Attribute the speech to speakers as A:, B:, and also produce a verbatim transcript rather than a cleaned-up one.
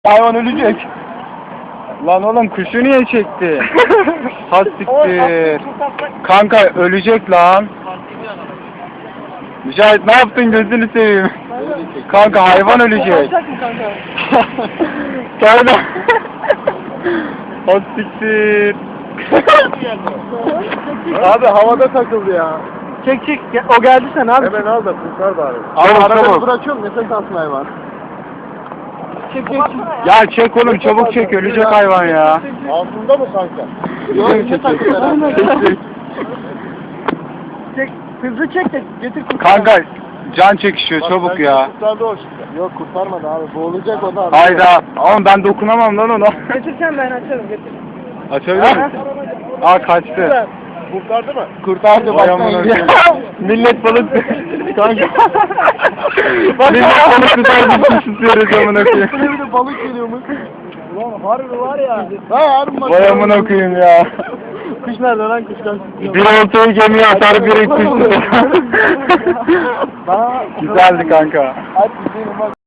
A: Hayvan ölecek. Lan oğlum kuşu niye çekti? Hastiktir. Kanka ölecek lan. Mücahit ne yaptın gözünü seveyim. Kanka hayvan ölecek. Kanka. Hastiktir.
B: Abi havada takıldı ya.
C: Çek çek. O geldi sen abi.
B: Hemen al da kurtar bari.
A: Abi
B: Arada
A: çabuk.
B: bırakıyorum nefes alsın hayvan.
C: Çek çek.
A: Ya çek oğlum çabuk çek ölecek hayvan ya.
B: Altında mı kanka?
C: Yok,
B: Çek, çek, çek.
A: Çek, çek.
C: Çek. Hızlı çek de getir kurtar.
A: Kanka can çekişiyor
B: Bak,
A: çabuk
B: bence
A: ya.
B: Kurtardı o şimdi. Yok kurtarmadı abi. Boğulacak o da. abi.
A: Hayda. Oğlum ben dokunamam lan ona.
C: Getirsen ben açarım getir.
A: Açabilir misin? Aa kaçtı.
B: Kurtardı mı?
A: Kurtardı
B: bak.
A: Millet balık kanka. Millet balık tutar bir şey tutuyoruz amına koyayım.
B: Bir de balık geliyormuş. Ulan harbi var ya. Ha harbi bak.
A: Vay amına koyayım ya.
C: Kuş nerede lan kuş lan?
A: Bir oltayı gemiye atar biri kuş tutar. Güzeldi kanka.
B: Hadi gidelim bak.